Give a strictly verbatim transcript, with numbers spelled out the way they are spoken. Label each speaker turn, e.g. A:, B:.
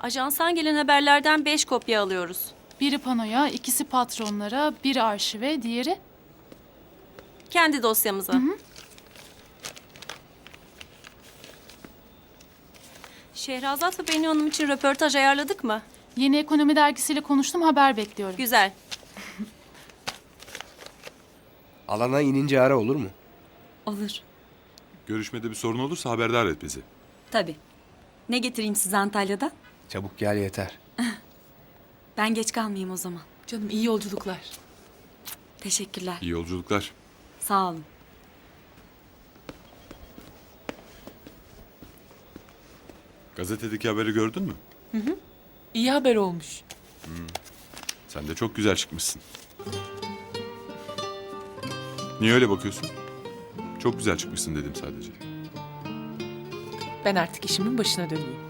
A: Ajanstan gelen haberlerden beş kopya alıyoruz.
B: Biri panoya, ikisi patronlara, biri arşive, diğeri...
A: Kendi dosyamıza.
B: Hı hı.
A: Şehrazat ve Bennu Hanım için röportaj ayarladık mı?
B: Yeni Ekonomi dergisiyle konuştum, haber bekliyorum.
A: Güzel.
C: Alana inince ara, olur mu?
D: Olur.
E: Görüşmede bir sorun olursa haberdar et bizi.
D: Tabii. Ne getireyim size Antalya'dan?
C: Çabuk gel yeter.
D: Ben geç kalmayayım o zaman.
F: Canım iyi yolculuklar.
D: Teşekkürler.
E: İyi yolculuklar.
D: Sağ olun.
E: Gazetedeki haberi gördün mü?
F: İyi haber olmuş.
E: Sen de çok güzel çıkmışsın. Niye öyle bakıyorsun? Çok güzel çıkmışsın dedim sadece.
F: Ben artık işimin başına döneyim.